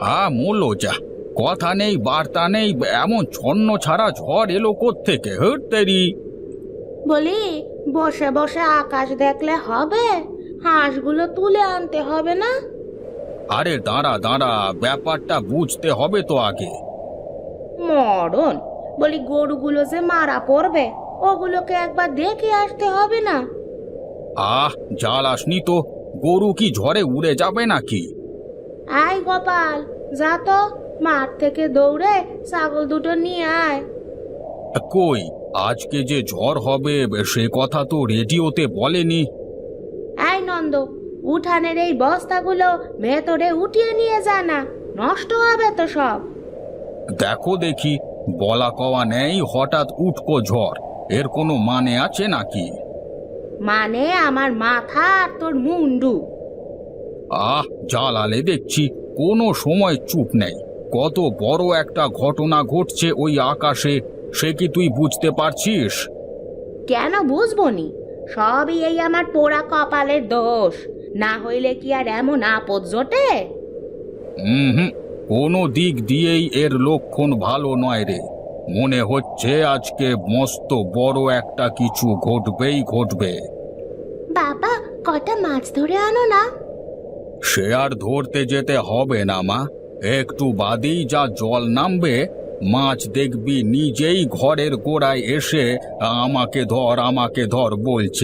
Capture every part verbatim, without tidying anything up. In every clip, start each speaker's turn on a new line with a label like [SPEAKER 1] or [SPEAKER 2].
[SPEAKER 1] আ মূল্য যা, কথা নেই বার্তা নেই, এমন ছন্ন ছাড়া ঝড় এলো কোত্থেকে? হতেরি
[SPEAKER 2] বলি, বসে বসে আকাশ দেখলে হবে? হাঁসগুলো তুলে আনতে হবে না?
[SPEAKER 1] আরে দাঁড়া দাঁড়া, ব্যাপারটা বুঝতে হবে তো আগে।
[SPEAKER 2] মরণ, বলি গরুগুলো যে মারা পড়বে, ওগুলোকে একবার দেখে আসতে হবে না?
[SPEAKER 1] আহ জ্বালাসনি তো, গরু কি ঝড়ে উড়ে যাবে নাকি?
[SPEAKER 2] আয় গোপাল, যা তো, মাঠ থেকে দৌড়ে ছাগল দুটো নিয়ে আয়।
[SPEAKER 1] কই, আজকে যে ঝড় হবে সে কথা তো রেডিওতে বলেনি।
[SPEAKER 2] আয় নন্দ, উঠানের এই বস্তাগুলো ভেতরে উঠিয়ে নিয়ে যা না, নষ্ট হবে তো সব।
[SPEAKER 1] দেখো দেখি, বলা কওয়া নেই, হঠাৎ উঠকো ঝড়, এর কোনো মানে আছে নাকি?
[SPEAKER 2] মানে আমার মাথা আর তোর মুন্ডু।
[SPEAKER 1] আহ জ্বালালে দেখছি, কোনো সময় চুপ নেই। কত বড় একটা ঘটনা ঘটছে ওই আকাশে, সে কি তুই বুঝতে পারছিস?
[SPEAKER 2] কেন বুঝবো নি? সবই এই আমার পোড়া কপালের দোষ, না হইলে কি আর এমন আপদ জোটে?
[SPEAKER 1] হুম, কোনো দিক দিয়েই এর লক্ষণ ভালো নয় রে। মনে হচ্ছে আজকে মস্ত বড় একটা কিছু ঘটবেই ঘটবে।
[SPEAKER 2] বাবা, কটা মাছ ধরে আনো না।
[SPEAKER 1] সে আর ধরতে যেতে হবে না মা, একটু বাদেই যা জল নামবে, মাছ দেখবি নিজেই ঘরের গোড়ায় এসে আমাকে ধর আমাকে ধর বলছে।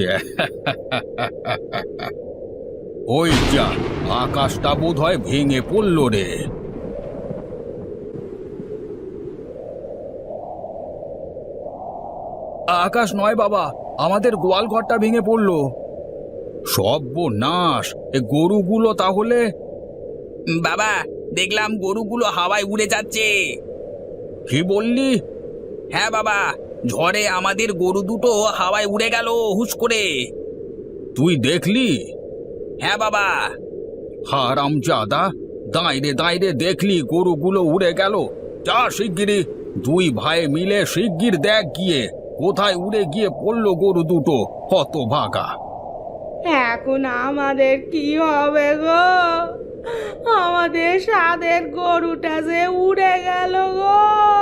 [SPEAKER 1] ওই যা, আকাশটা বোধ হয় ভেঙে পড়ল রে। আকাশ নয় বাবা, আমাদের গোয়াল ঘরটা ভেঙে পড়লো। সর্বনাশ, এ গরুগুলো তাহলে?
[SPEAKER 3] বাবা, দেখলাম গরুগুলো হাওয়ায় উড়ে যাচ্ছে।
[SPEAKER 1] কি বললি?
[SPEAKER 3] হ্যাঁ বাবা, ঝড়ে আমাদের গরু দুটো হাওয়ায় উড়ে গেল হুশ করে।
[SPEAKER 1] তুই দেখলি?
[SPEAKER 3] হ্যাঁ বাবা।
[SPEAKER 1] হারামজাদা, দাঁড়ে দাঁড়ে দেখলি গরুগুলো উড়ে গেল? যা শিগগিরি, দুই ভাই মিলে শিগগির দেখ গিয়ে কোথায় উড়ে গিয়ে পড়লো গরু দুটো, হতভাগা।
[SPEAKER 2] এখন আমাদের কি হবে গো? আমাদের সাদের গরুটা যে উড়ে গেল গো।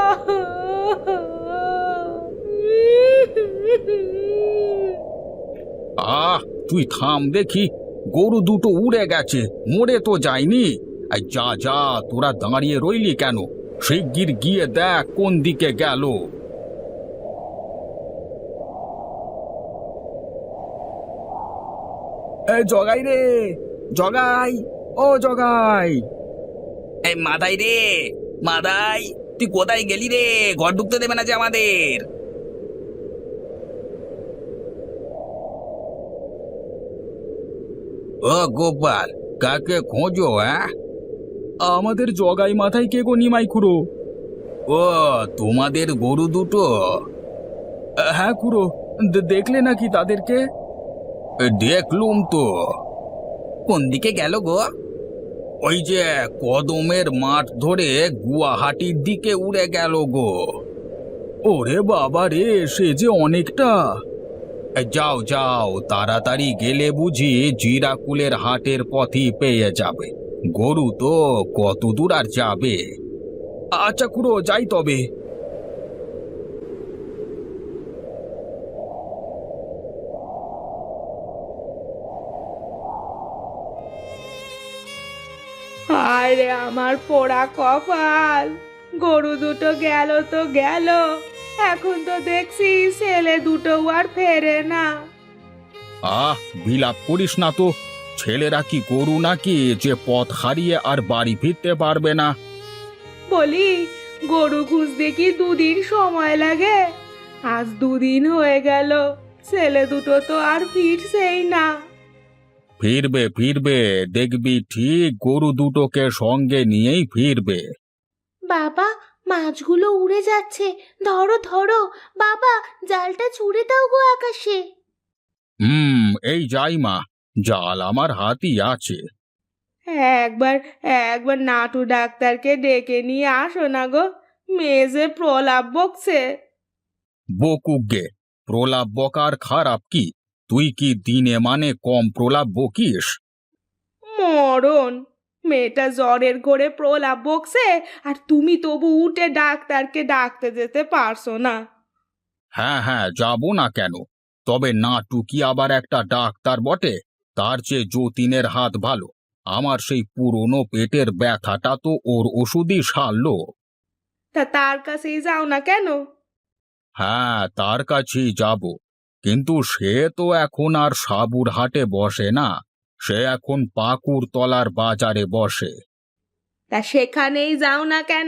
[SPEAKER 1] আহ তুই থাম দেখি, গরু দুটো উড়ে গেছে, মরে তো যায়নি। এই যা যা, তোরা দাঁড়িয়ে রইলি কেন? শিগগির গিয়ে দেখ কোন দিকে গেল। এই জগাই রে, জগাই, ও জগাই।
[SPEAKER 3] এই মাদাই রে, মাদাই, তুই কোথায় গেলি রে? ঘর ঢুকতে দেবে না যে আমাদের।
[SPEAKER 1] ও গোপাল, কাকে খোঁজো? হ্যাঁ, আমাদের জগাই মাথায় কে গো নিমাই খুড়ো? ও, তোমাদের গরু দুটো? হ্যাঁ খুড়ো, দেখলে নাকি তাদেরকে? দেখলুম তো।
[SPEAKER 3] কোন দিকে গেল গো?
[SPEAKER 1] ওই যে কদমের মাঠ ধরে গুয়াহাটির দিকে উড়ে গেল গো। ওরে বাবা রে, সে যে অনেকটা। যাও যাও, তাড়াতাড়ি গেলে বুঝি জিরাকুলের হাটের পথই পেয়ে যাবে। গরু তো কত দূর আর যাবে। আচ্ছা খুড়ো, যাই তবে।
[SPEAKER 2] আরে আমার পোড়া কপাল, গরু দুটো গেল তো গেল, এখন তো দেখছি ছেলে দুটো আর ফেরে না।
[SPEAKER 1] আহ বিলাপ করিস না তো, ছেলেরা কি গরু নাকি যে পথ হারিয়ে আর বাড়ি ফিরতে পারবে না?
[SPEAKER 2] বলি, গরু খুঁজতে কি দুদিন সময় লাগে? আজ দুদিন হয়ে গেল, ছেলে দুটো তো আর ফিরছেই না।
[SPEAKER 1] ফিরবে ফিরবে, দেখবি ঠিক গরু দুটোকে সঙ্গে নিয়েই ফিরবে।
[SPEAKER 2] বাবা, মাছগুলো উড়ে যাচ্ছে, ধরো ধরো বাবা, জালটা ছুঁড়ে দাও গো আকাশে।
[SPEAKER 1] হুম, এই যাই মা, জাল আমার হাতই আছে।
[SPEAKER 2] একবার একবার নাটু ডাক্তারকে ডেকে নিয়ে আসো না গো, মেয়ে যে প্রলাপ বকছে।
[SPEAKER 1] বকুক গে, প্রলাপ বকার খারাপ কি? তুই কি দিনে মানে কম প্রলাপ বকিস?
[SPEAKER 2] মরণ, মেয়েটা জ্বরের ঘোরে প্রলাপ বকছে, আর তুমি তবু উঠে ডাক্তারকে ডাকতে যেতে পারছো না।
[SPEAKER 1] হ্যাঁ হ্যাঁ, যাব না কেন? তবে নাটু কি আবার একটা ডাক্তার বটে? তার চেয়ে যতীনের হাত ভালো। আমার সেই পুরনো পেটের ব্যথাটা তো ওর ওষুধই সারলো।
[SPEAKER 2] তা তার কাছেই যাও না কেন?
[SPEAKER 1] হ্যাঁ, তার কাছেই যাব, কিন্তু সে তো এখন আর সাবুর হাটে বসে না। সে এখন পাকুড় তলার বাজারে বসে।
[SPEAKER 2] তা সেখানেই যাও না কেন?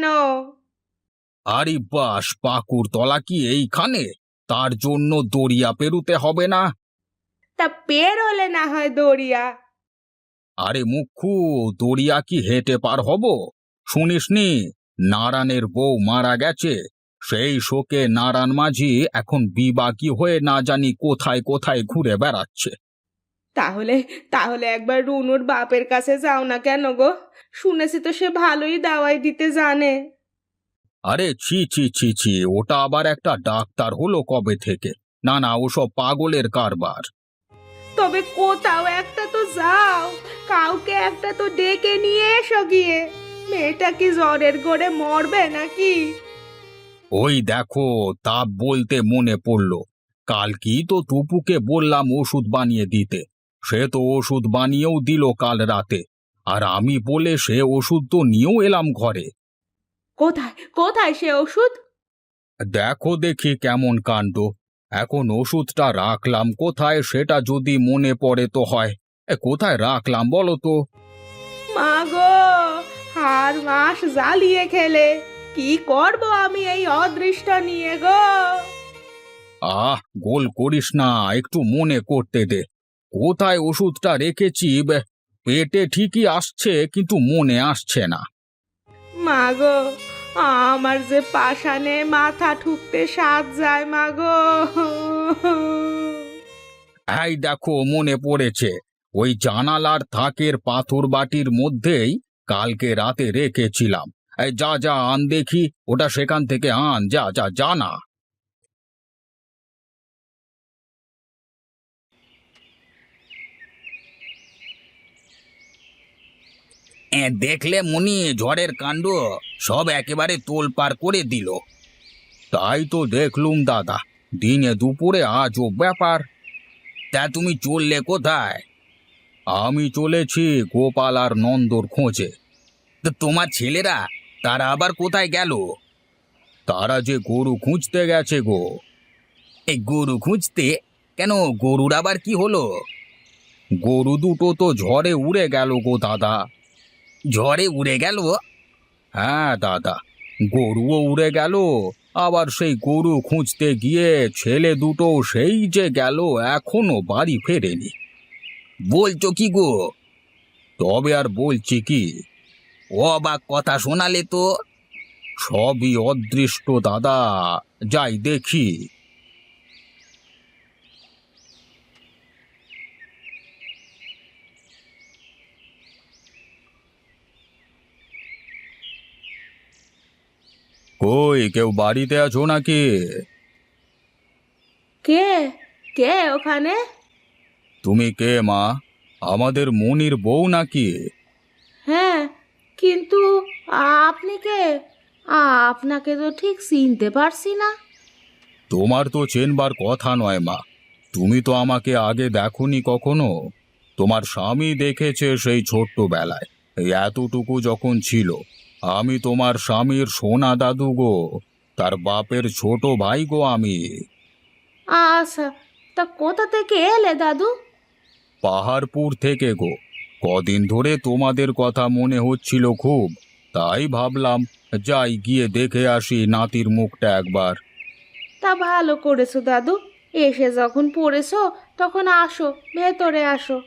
[SPEAKER 1] আরে বাস, পাকুড় তলা কি এইখানে? তার জন্য দরিয়া পেরুতে হবে না?
[SPEAKER 2] তা বের হলে না হয় দড়িয়া।
[SPEAKER 1] আরে মুখ্যু, দরিয়া কি হেঁটে পার হব? শুনিসনি নারায়ণের বউ মারা গেছে? সেই শোকে নারায়ণ মাঝি এখন বিবাকি হয়ে না জানি কোথায় কোথায় ঘুরে বেড়াচ্ছে।
[SPEAKER 2] তাহলে তাহলে একবার রুনুর বাপের কাছে যাও না কেন গো? শুনেছি তো সে ভালোই দাওয়াই দিতে জানে।
[SPEAKER 1] আরে ছি ছি ছি ছি, ওটা আবার একটা ডাক্তার হলো কবে থেকে? না না, ওসব পাগলের কারবার।
[SPEAKER 2] তবে কোথাও একটা তো যাও, কাউকে একটা তো ডেকে নিয়ে এসো গিয়ে। মেয়েটা কি জ্বরের ঘোরে মরবে নাকি?
[SPEAKER 1] ওই দেখো, তা বলতে মনে পড়লো, কাল কি তো টুপুকে বললাম ওষুধ বানিয়ে দিতে। সে তো ওষুধ বানিয়েও দিল কাল রাতে, আর আমি বলে সে ওষুধ তো নিয়েও এলাম ঘরে।
[SPEAKER 2] কোথায় কোথায় সে ওষুধ?
[SPEAKER 1] দেখো দেখি কেমন কাণ্ড। এখন ওষুধটা রাখলাম কোথায় সেটা যদি মনে পড়ে তো হয়। এ, কোথায় রাখলাম বলো তো?
[SPEAKER 2] মা গো, হার মাস জ্বালিয়ে খেলে। কি করব আমি এই অদৃষ্ট নিয়ে গো?
[SPEAKER 1] আহ, গোল করিস না, একটু মনে করতে দে। কোথায় ওষুধটা রেখেছি? বে, পেটে ঠিকই আসছে কিন্তু মনে আসছে না।
[SPEAKER 2] মা গো, আমার যে পাষাণে মাথা ঠুকতে সাজ যায় মা গো।
[SPEAKER 1] এই দেখো, মনে পড়েছে। ওই জানালার থাকের পাথর বাটির মধ্যেই কালকে রাতে রেখেছিলাম। এই যা যা আন দেখি, ওটা সেখান থেকে আন, যা যা যা না।
[SPEAKER 3] এ, দেখলে মুনি ঝড়ের কাণ্ড সব একেবারে তোলপাড় করে দিল।
[SPEAKER 1] তাই তো দেখলুম দাদা, দিনে দুপুরে আজও ব্যাপার।
[SPEAKER 3] তা তুমি চললে কোথায়?
[SPEAKER 1] আমি চলেছি গোপাল আর নন্দর খোঁজে।
[SPEAKER 3] তো তোমার ছেলেরা তারা আবার কোথায় গেল?
[SPEAKER 1] তারা যে গরু খুঁজতে গেছে গো।
[SPEAKER 3] এই গরু খুঁজতে? কেন, গরুর আবার কি হলো?
[SPEAKER 1] গরু দুটো তো ঝড়ে উড়ে গেল গো দাদা।
[SPEAKER 3] ঝড়ে উড়ে গেল?
[SPEAKER 1] হ্যাঁ দাদা, গরুও উড়ে গেল, আবার সেই গরু খুঁজতে গিয়ে ছেলে দুটো সেই যে গেল, এখনো বাড়ি ফেরেনি।
[SPEAKER 3] বলছো কি গো?
[SPEAKER 1] তবে আর বলছি কি?
[SPEAKER 3] অবাক কথা শোনালে তো।
[SPEAKER 1] সবই অদৃষ্ট দাদা, যাই দেখি। কই, কেউ বাড়িতে আছো নাকি?
[SPEAKER 2] কে কে ওখানে?
[SPEAKER 1] তুমি কে মা? আমাদের মনির বউ নাকি?
[SPEAKER 2] হ্যাঁ, কিন্তু আপনি কে? আপনাকে তো ঠিক চিনতে পারছি না।
[SPEAKER 1] তোমার তো চেনবার কথা নয় মা, তুমি তো আমাকে আগে দেখোনি কখনো। তোমার স্বামী দেখেছে সেই ছোট্টবেলায়, এই এতটুকু যখন ছিল। আমি তোমার স্বামীর সোনা দাদু গো, তার বাপের ছোট ভাই গো আমি।
[SPEAKER 2] আচ্ছা, তা কোথা থেকে এলে দাদু?
[SPEAKER 1] পাহাড়পুর থেকে গো। কদিন ধরে তোমাদের কথা মনে হচ্ছিল খুব, তাই ভাবলাম যাই গিয়ে দেখে আসি নাতির মুখটা একবার।
[SPEAKER 2] তা ভালো করেছো দাদু, এসে যখন পড়েছো তখন আসো, ভেতরে আসো।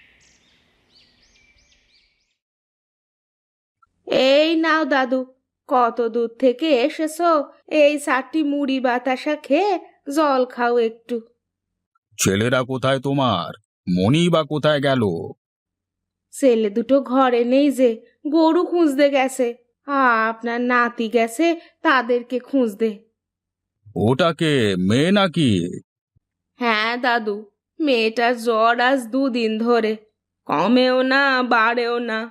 [SPEAKER 2] এই নাও দাদু, কত দূর থেকে এসেছো, এই চারটি মুড়ি বাতাসা খেয়ে জল খাও একটু।
[SPEAKER 1] ছেলেরা কোথায় তোমার? মনি বা কোথায় গেল?
[SPEAKER 2] ছেলে দুটো ঘরে নেই যে, গরু খুঁজতে গেছে। আপনার নাতি গেছে তাদেরকে খুঁজতে।
[SPEAKER 1] ওটাকে মেয়ে নাকি?
[SPEAKER 2] হ্যাঁ দাদু, মেয়েটার জ্বর আজ দুদিন ধরে, কমেও না বাড়েও না।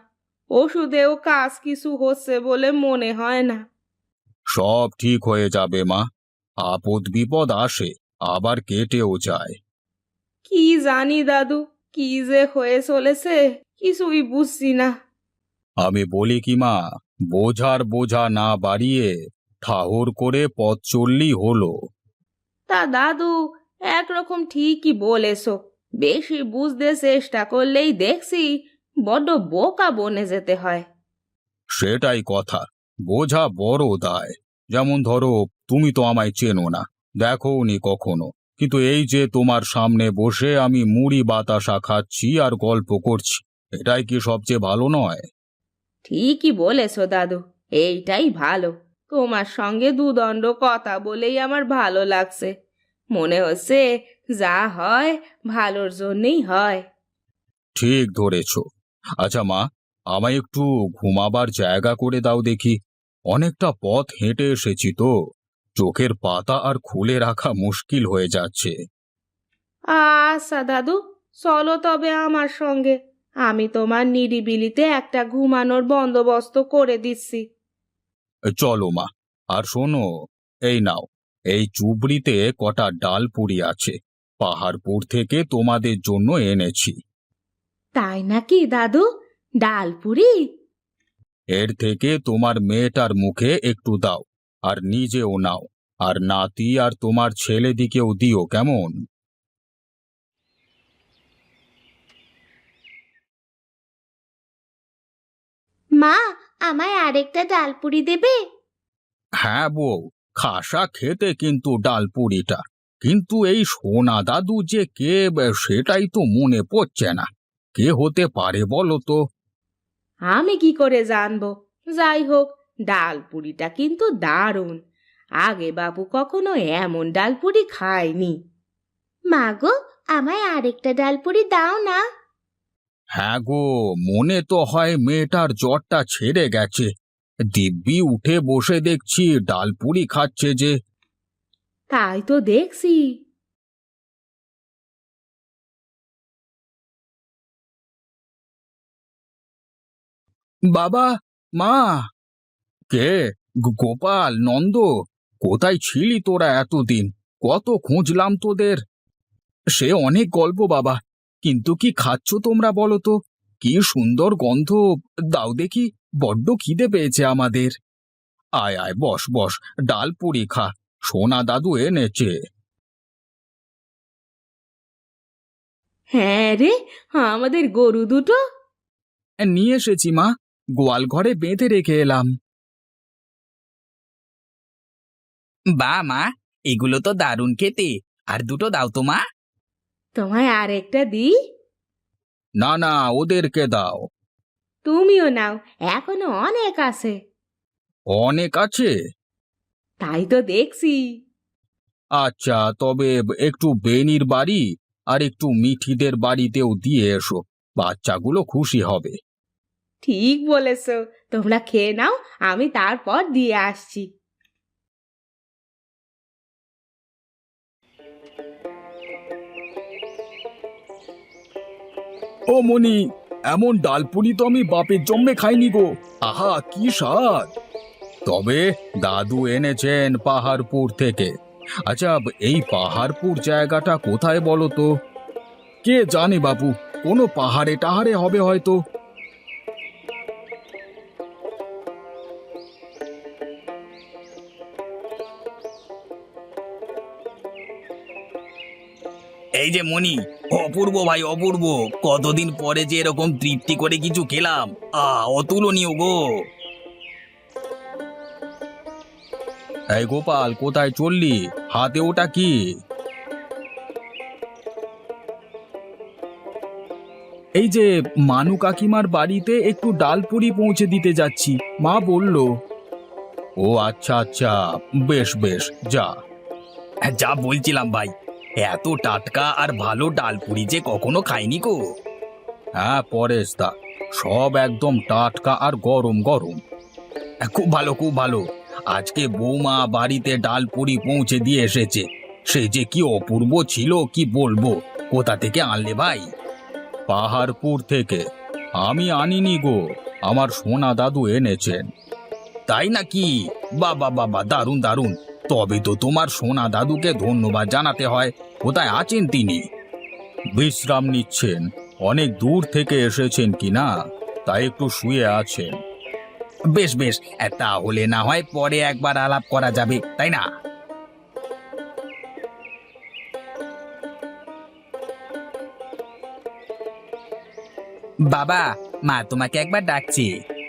[SPEAKER 2] ওষুধেও কাজ কিছু হচ্ছে বলে মনে হয় না।
[SPEAKER 1] সব ঠিক হয়ে যাবে মা। আপদ বিপদ আসে, আবার কেটেও যায়।
[SPEAKER 2] কি জানি দাদু, কি যে হয়ে চলেছে কিছুই বুঝছি না।
[SPEAKER 1] আমি বলি কি মা, বোঝার বোঝা না বাড়িয়ে ঠাহর করে পথ চললেই হলো।
[SPEAKER 2] তা দাদু, একরকম ঠিকই বলেছো। বেশি বুঝতে চেষ্টা করলেই দেখছি বড্ড বোকা বনে যেতে হয়।
[SPEAKER 1] সেটাই কথা, বোঝা বড় দায়। যেমন ধরো, তুমি তো আমায় চেনো না, দেখোনি কখনো, কিন্তু এই যে তোমার সামনে বসে আমি মুড়ি বাতাসা খাচ্ছি আর গল্প করছি, এটাই কি সবচেয়ে ভালো নয়?
[SPEAKER 2] ঠিকই বলেছো দাদু, এইটাই ভালো। তোমার সঙ্গে দুদণ্ড কথা বলেই আমার ভালো লাগছে। মনে হচ্ছে যা হয় ভালোর জন্যই হয়।
[SPEAKER 1] ঠিক ধরেছ। আচ্ছা মা, আমায় একটু ঘুমাবার জায়গা করে দাও দেখি। অনেকটা পথ হেঁটে এসেছি তো, চোখের পাতা আর খুলে রাখা মুশকিল হয়ে যাচ্ছে।
[SPEAKER 2] আচ্ছা দাদু, চলো তবে আমার সঙ্গে। আমি তোমার নিরিবিলিতে একটা ঘুমানোর বন্দোবস্ত করে দিচ্ছি।
[SPEAKER 1] চলো মা। আর শোনো, এই নাও, এই চুবড়িতে কটা ডাল পুরি আছে, পাহাড়পুর থেকে তোমাদের জন্য এনেছি।
[SPEAKER 2] তাই নাকি দাদু? ডালপুরি?
[SPEAKER 1] এর থেকে তোমার মেয়েটার মুখে একটু দাও, আর নিজেও নাও, আর নাতি আর তোমার ছেলেদিকেও দিও, কেমন?
[SPEAKER 2] মা, আমায় আরেকটা ডালপুরি দেবে?
[SPEAKER 1] হ্যাঁ বউ, খাসা খেতে কিন্তু ডাল পুরিটা। কিন্তু এই সোনা দাদু যে কে, বে, সেটাই তো মনে পড়ছে না। কে হতে পারে বলো তো?
[SPEAKER 2] আমি কি করে জানবো? যাই হোক, ডালপুরিটা কিন্তু দারুণ। আগে বাবু কখনো এমন ডালপুরি খায়নি। মা গো, আমায় আরেকটা ডালপুরি দাও না।
[SPEAKER 1] হ্যাঁ গো, মনে তো হয় মেয়েটার জ্বরটা ছেড়ে গেছে। দিব্যি উঠে বসে দেখছি ডালপুরি খাচ্ছে যে।
[SPEAKER 2] তাই তো দেখছি।
[SPEAKER 1] বাবা, মা! কে? গো- গোপাল, নন্দ, কোথায় ছিলি তোরা এতদিন? কত খুঁজলাম তোদের। সে অনেক গল্প বাবা, কিন্তু কি খাচ্ছ তোমরা বলো তো? কি সুন্দর গন্ধ! দাও দেখি, বড্ড খিদে পেয়েছে আমাদের। আয় আয়, বস বস, ডাল পুরি খা, সোনা দাদু এনেছে।
[SPEAKER 2] হ্যাঁ রে, আমাদের গরু দুটো।
[SPEAKER 1] নিয়ে এসেছি মা, গোয়াল ঘরে বেঁধে রেখে এলাম।
[SPEAKER 3] বা মা, এগুলো তো দারুণ খেতে। আর দুটো দাও তো মা।
[SPEAKER 2] তোমায় আরেকটা দিই?
[SPEAKER 1] না না, ওদেরকে দাও।
[SPEAKER 2] তুমিও নাও, এখনো অনেক আছে।
[SPEAKER 1] অনেক আছে?
[SPEAKER 2] তাই তো দেখছি।
[SPEAKER 1] আচ্ছা, তবে একটু বেনির বাড়ি আর একটু মিঠিদের বাড়িতেও দিয়ে এসো, বাচ্চাগুলো খুশি হবে।
[SPEAKER 2] ঠিক বলেছ, তোমরা খেয়ে নাও, আমি তারপর দিয়ে আসছি।
[SPEAKER 1] ও মনি, এমন ডালপুরি তো আমি বাপের জন্মে খাইনি গো। আহা, কি স্বাদ! তবে দাদু এনেছেন পাহাড়পুর থেকে। আচ্ছা, এই পাহাড়পুর জায়গাটা কোথায় বলো তো? কে জানে বাপু, কোনো পাহাড়ে টাহাড়ে হবে হয়তো।
[SPEAKER 3] এই যে মনি, অপূর্ব ভাই অপূর্ব, কতদিন পরে যে এরকম তৃপ্তি করে কিছু খেলাম। আ অতুলনীয় গো।
[SPEAKER 1] এই গোপাল, কোথায় চললি? হাতে ওটা কি? এই যে মানু কাকিমার বাড়িতে একটু ডালপুরি পৌঁছে দিতে যাচ্ছি, মা বলল। ও আচ্ছা আচ্ছা, বেশ বেশ, যা।
[SPEAKER 3] হ্যাঁ, যা বলছিলাম ভাই, এত টাটকা আর ভালো ডালপুরি যে কখনো খাইনি গো।
[SPEAKER 1] হ্যাঁ পরেশ দা, সব একদম টাটকা আর গরম গরম।
[SPEAKER 3] হ্যাঁ, খুব ভালো খুব ভালো।
[SPEAKER 1] আজকে বৌমা বাড়িতে ডালপুরি পৌঁছে দিয়ে এসেছে। সে যে কি অপূর্ব ছিল কি বলবো। কোথা থেকে আনলে ভাই? পাহাড়পুর থেকে। আমি আনিনি গো, আমার সোনা দাদু এনেছেন।
[SPEAKER 3] তাই নাকি? বাবা বাবা, দারুণ দারুণ। তবে তো তোমার সোনা দাদুকে ধন্যবাদ জানাতে হয়। কোথায় আছেন তিনি?
[SPEAKER 1] বিশ্রাম নিচ্ছেন, অনেক দূর থেকে এসেছেন কি না, তাই একটু শুয়ে আছেন।
[SPEAKER 3] বেশ বেশ, তাহলে না হয় পরে একবার আলাপ করা যাবে, তাই না? বাবা, মা তোমাকে একবার ডাকছি।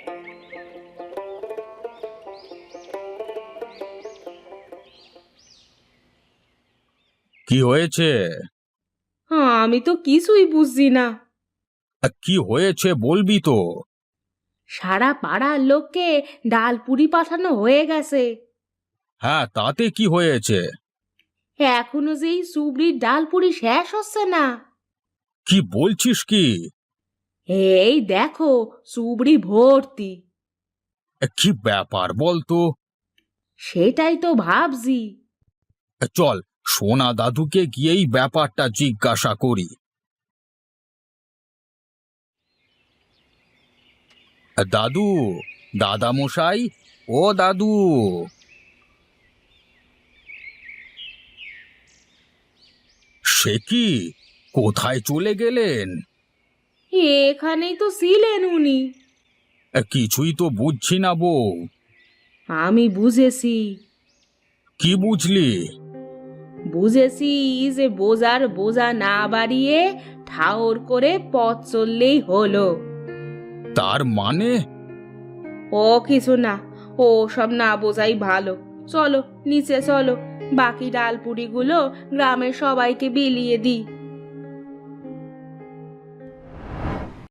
[SPEAKER 1] কি হয়েছে?
[SPEAKER 2] হ্যাঁ, আমি তো কিছুই বুঝছি না।
[SPEAKER 1] আ, কি হয়েছে বলবি তো?
[SPEAKER 2] সারা পাড়ার লোককে ডাল পুরি পাঠানো হয়ে গেছে।
[SPEAKER 1] হ্যাঁ, তাতে কি হয়েছে?
[SPEAKER 2] এখনো যেই সুবড়ির ডাল পুরি শেষ হচ্ছে না।
[SPEAKER 1] কি বলছিস কি?
[SPEAKER 2] এই দেখো, সুবড়ি ভর্তি।
[SPEAKER 1] এ, কি ব্যাপার বলতো?
[SPEAKER 2] সেটাই তো ভাবছি।
[SPEAKER 1] এ, চল সোনা দাদুকে গিয়েই ব্যাপারটা জিজ্ঞাসা করি। এ, দাদু, দাদা মশাই, ও দাদু। সে কি, কোথায় চলে গেলেন?
[SPEAKER 2] এখানেই তো ছিলেন উনি।
[SPEAKER 1] এ, কিছুই তো বুঝছি না বউ।
[SPEAKER 2] আমি বুঝেছি।
[SPEAKER 1] কি বুঝলি?
[SPEAKER 2] বুঝেছি যে বোঝার বোঝা না বাড়িয়ে ঠাওর করে পথ চললেই হলো।
[SPEAKER 1] তার মানে?
[SPEAKER 2] ও কিছু না, ও সব না বোঝাই ভালো। চলো নিচে চলো, বাকি ডাল পুরিগুলো গ্রামের সবাইকে বিলিয়ে দিই।